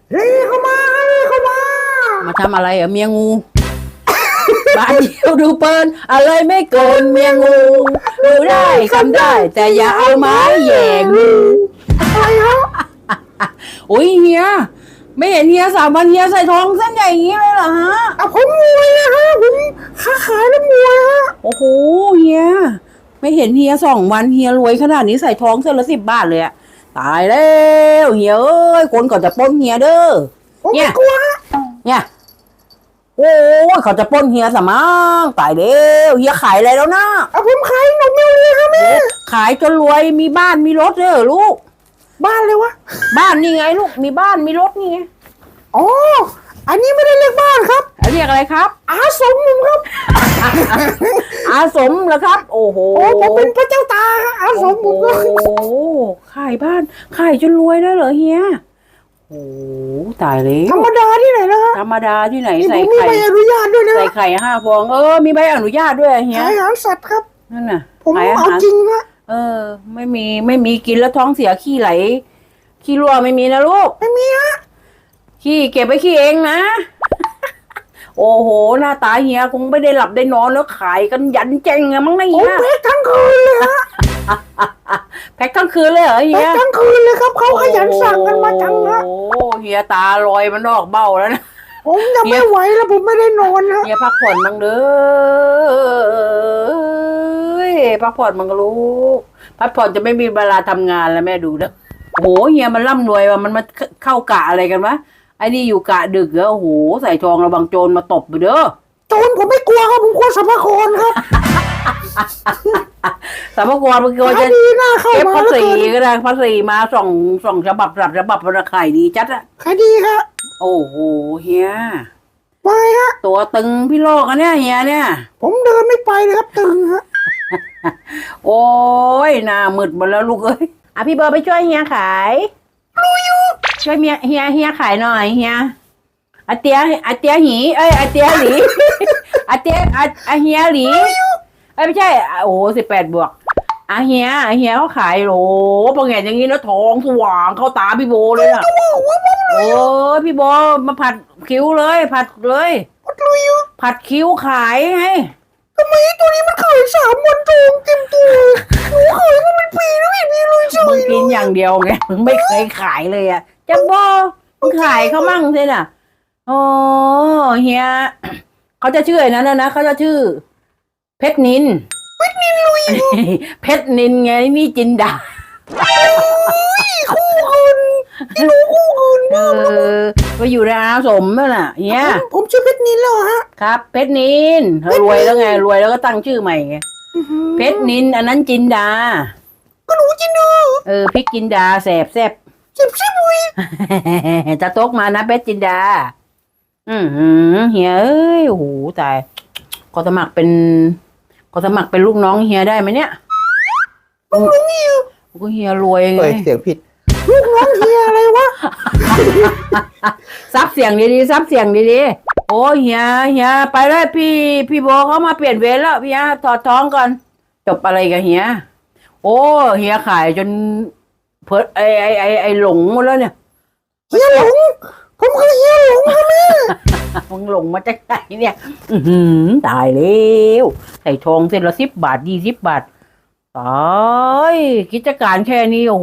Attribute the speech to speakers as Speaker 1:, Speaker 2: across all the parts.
Speaker 1: เฮ้ยเข้ามาเฮ้ยเข้ามา
Speaker 2: มาทำอะไรเมียงูบ้านเดียวดูเปินอะไรไม่เกินเมียงูดูได้ทำได้ แต่อย่าเอาไม้แย่งู
Speaker 1: อะไรฮะ
Speaker 2: โอ้ยเฮียไม่เห็นเฮีย3 วันเฮียใส่ทองเส้นใหญ่อย่างนี้เลยเหรอฮะ
Speaker 1: ผมมวยนะฮะผมค้าขายแล้วมวยฮะ
Speaker 2: โอ้โหเฮียไม่เห็นเฮีย2 วันเฮียรวยขนาดนี้ใส่ทองเส้นละ10 บาทเลยอะตายแล้วเฮียเอ้ยคนก่อนจะปล้นเฮียเด้อ
Speaker 1: เนี่ยกลัว
Speaker 2: เนี่ยโอ้ยเขาจะปล้นเฮียสมังตายแล้วเฮียขายอะไรแล้วนะ
Speaker 1: ผมขายนมเมียวเลยครับแม่
Speaker 2: ขายจนรวยมีบ้านมีรถเลยลูก
Speaker 1: บ้านเลยวะ
Speaker 2: บ้านนี่ไงลูกมีบ้านมีรถนี่ไง
Speaker 1: อ๋ออันนี้ไม่ได้เรียกบ้านครับ
Speaker 2: เรียกอะไรครับ
Speaker 1: อาสมครับ
Speaker 2: อาสมเหรอครับโอ้โห
Speaker 1: ผมเป็นพระเจ้าตาอาสมผมก็
Speaker 2: โอ้ขายบ้านขายจนรวยได้เหรอเฮียโอ้ตายเลย
Speaker 1: ธรรมดาที่ไหนนะ
Speaker 2: ธรรมดาที่ไหนใส่
Speaker 1: ไข่มีใบอนุญาตด้วยนะ
Speaker 2: ใส่ไข่5 ฟองมีใบอนุญาตด้วยเฮีย
Speaker 1: ขายอาหารสัตว์ครับ
Speaker 2: นั่นน่ะ
Speaker 1: ผมเอาจริงนะ
Speaker 2: ไม่มีกินแล้วท้องเสียขี้ไหลขี้รั่วไม่มีนะลูก
Speaker 1: ไม่มีฮะ
Speaker 2: ขี้เก็บไว้ขี้เองนะโอ้โหหน้าตาเฮียคงไม่ได้หลับได้นอนแล้วขายกันยันเจ๊งอะมั้งนะเฮีย
Speaker 1: แพ็คทั้งคืนเลยฮะ
Speaker 2: แพ็คทั้งคืนเลยเหรอเฮีย
Speaker 1: แพ็คทั้งคืนเลยครับเขาขยันสั่งกันมาจังนะ
Speaker 2: โอ้เฮียตาลอยมันออกเบ้าแล้วนะ
Speaker 1: ผมจะไม่ไหวแล้วผมไม่ได้นอนนะ
Speaker 2: เฮียพักผ่อนบ้างเด้อพักผ่อนบ้างลูกพักผ่อนจะไม่มีเวลาทำงานแล้วแม่ดูนะโอ้โหเฮียมันร่ำรวยว่ะมันมาเข้ากะอะไรกันวะไอ้นี่อยู่กะดึกเหรอโอ้โหใส่ทองระวังโจรมาตบไปเด้อ
Speaker 1: โจรผมไม่กลัวครับผมกลัวสัมภาระครับ
Speaker 2: สัมภาระมันก็จะเก็บภาษีก็ได้ภาษีมาส่งฉบับราคาดีจัดอะ
Speaker 1: ขายดีครับ
Speaker 2: โอ้โหเฮีย
Speaker 1: ไปฮะ
Speaker 2: ตัวตึงพี่โลกอันเนี้ยเฮียเนี่ย
Speaker 1: ผมเดินไม่ไปเลยครับตึงฮะ
Speaker 2: โอ้ยหน้ามืดหมดแล้วลูกเอ้ยพี่เบอร์ไปช่วยเฮียขาย
Speaker 1: รู้อยู่
Speaker 2: ช่วยเฮียขายหน่อยเฮียอาเตียหีอาเตียหลีอาเตียเฮียหลีไม่ใช่โอ้18 บวกเฮียเขาขายโหบางอย่างอย่างนี้นะทองสว่างเข้าตาพี่โบเลยอะโอ้พี่โบมาผัดคิ้วเลยผัดเลยผัดคิ้วขายไง
Speaker 1: ทำไมตัวนี้มันขาย3 วันทองเต็มตัวหนูขายมาเป็นปีแล้วไม่มีเลย
Speaker 2: มึงกินอย่างเดียวไงมึงไม่เคยขายเลยอะจังโบมึงขายเขามั่งใช่น่ะโอ้เฮียเขาจะชื่อนั้นนะเขาจะชื่อเพชรนิน
Speaker 1: ลุย
Speaker 2: เพชรนินไงนี่จินดา
Speaker 1: คู่คุณที่รู้คู่คุณ
Speaker 2: ไปอยู่ในอาสมนั่นน่ะเฮีย
Speaker 1: ผมชื่อเพชรนินแล้วฮะ
Speaker 2: ครับเพชรนินรวยแล้วไงรวยแล้วก็ตั้งชื่อใหม่ไงเพชรนินอันนั้นจินดา
Speaker 1: ก็รู้จินดา
Speaker 2: พริกจินดาแสบ
Speaker 1: บุย
Speaker 2: จะตกมานะเพชรจินดาเฮียเอ้ยโอ้โหตายก็สมัครเป็นลูกน้องเฮียได้ไหมเนี่ย
Speaker 1: ลูกน้องเฮีย
Speaker 2: ก็เฮียรวยไง
Speaker 1: เสียงผิดลูกน้องเฮียอะไรวะ
Speaker 2: ซับเสียงดีๆโอ้เฮียไปเลยพี่โบเขามาเปลี่ยนเวรแล้วพี่ฮะถอดท้องก่อนจบอะไรกับเฮียโอ้เฮียขายจนเพิดไอหลงหมดแล้วเนี่ย
Speaker 1: เฮียหลงผมคือเฮียหลงค่ะแม่
Speaker 2: มึงหลงมาจากไหนเนี่ยตายแล้วใส่ทองเส้นละ10 บาท20 บาทตายกิจการแค่นี้โอ้โห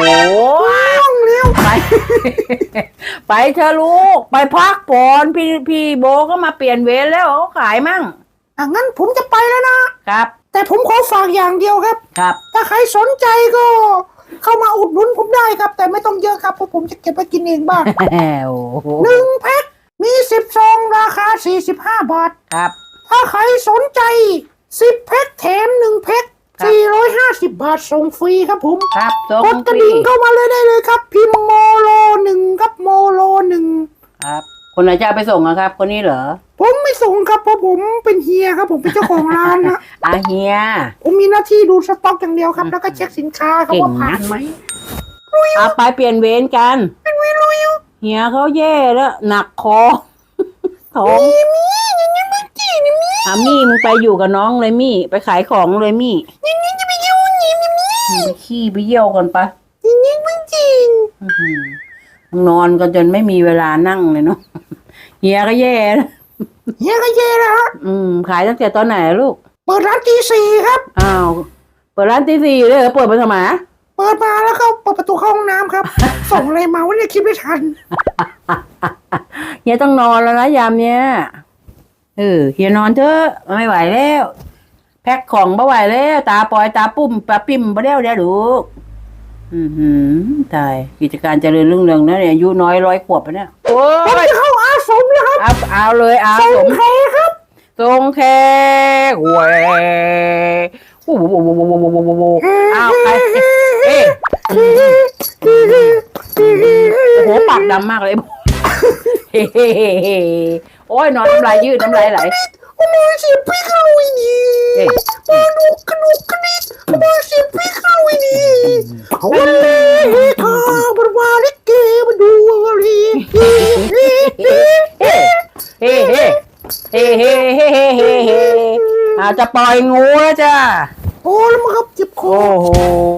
Speaker 2: ไปเธอลูกไปพักผ่อนพี่โบก็มาเปลี่ยนเวรแล้วเขาขายมั่ง
Speaker 1: งั้นผมจะไปแล้วนะครับแต่ผมขอฝากอย่างเดียวครับถ้าใครสนใจก็เข้ามาอุดหนุนผมได้ครับแต่ไม่ต้องเยอะครับเพราะผมจะเก็บไปกินเองบ้าง1 แพ็คมี10 ซองราคา45 บาท
Speaker 2: ครับ
Speaker 1: ถ้าใครสนใจ10 แพ็คแถม1 แพ็ค450 บาทส่งฟรีครับผม
Speaker 2: ครับ
Speaker 1: กดกระดิ่งเข้ามาเลยได้เลยครับพิมพ์โมโล1ครับโมโล1
Speaker 2: ครับคนไหนจะไปส่งครับคนนี้เหรอ
Speaker 1: ผมไม่ส่งครับเพราะผมเป็นเฮียครับผมเป็นเจ้าของร้านนะ
Speaker 2: เฮีย
Speaker 1: ผมมีหน้าที่ดูสต็อกอย่างเดียวครับแล้วก็เช็คสินค้าครับว่าผ่านไหม
Speaker 2: เอาไปเปลี่ยนเวรกันเป็นเวรลุยเฮียเขาแย่แล้วหนักคอท้อง
Speaker 1: มี่ยังไม่จีน
Speaker 2: มี่มึงไปอยู่กับน้องเลยมี่ไปขายของเลยมี่
Speaker 1: นี่จะไปเยี่ยวนี่
Speaker 2: ไปขี้ไปเยี่ยวกันปะ
Speaker 1: นี่ไม่จีน
Speaker 2: มนอนกันจนไม่มีเวลานั่งเลยเนาะเฮียก็แย่นะ
Speaker 1: เฮียก็เย่นะฮะ
Speaker 2: ขายตั้งแต่ตอนไหนลูก
Speaker 1: เปิดร้านตีสี่ครับ
Speaker 2: อ้าวเปิดร้านตีสี่เลยเหรอเปิดไปทำไม
Speaker 1: เปิดมาแล้วก็เปิดประตูเข้าห้องน้ำครับ ส่งอะไรมาวะเนี่ยคิดไม่ทัน
Speaker 2: เฮียต้องนอนแล้วนะยามเนี้ยเฮียนอนเถอะไม่ไหวแล้ว แพ็คของไม่ไหวแล้วตาปอยตาปุ้มตาปิ่มไปแล้วเดี๋ยวลูกตายกิจการเจริญรุ่งเรืองนะเนี่ยอายุน้อย100 ขวบแล้วเนี่ยโอ้
Speaker 1: ผม
Speaker 2: ย
Speaker 1: จะเข้าอาสมแล้วครับ
Speaker 2: เอาเลยเอา
Speaker 1: ส่
Speaker 2: ส
Speaker 1: ง
Speaker 2: ม
Speaker 1: ใครครับ
Speaker 2: ทรงแขกเว้ยโอ้โหเอาใครเอ๊ะโอ้โหปากดำมากเลยเฮ้โอ้ยนอนน้ำลายยืดน้ำลายไหล
Speaker 1: โอ้ยเสียพี่เข้าอีนี่
Speaker 2: เอ๊ะ
Speaker 1: มาดูกระดูกกระดิกมาเสียพี่เข้าอีนี่วันนี้ข้าบรวาลิเกมาดูอะไร
Speaker 2: เฮ้เฮ้เฮ้เฮ้เฮ้เฮ้เฮ้อาจจะปล่อยงูแล้วจ้า
Speaker 1: โอ้แล้วมันก็เจ็บคอ
Speaker 2: โอ้โห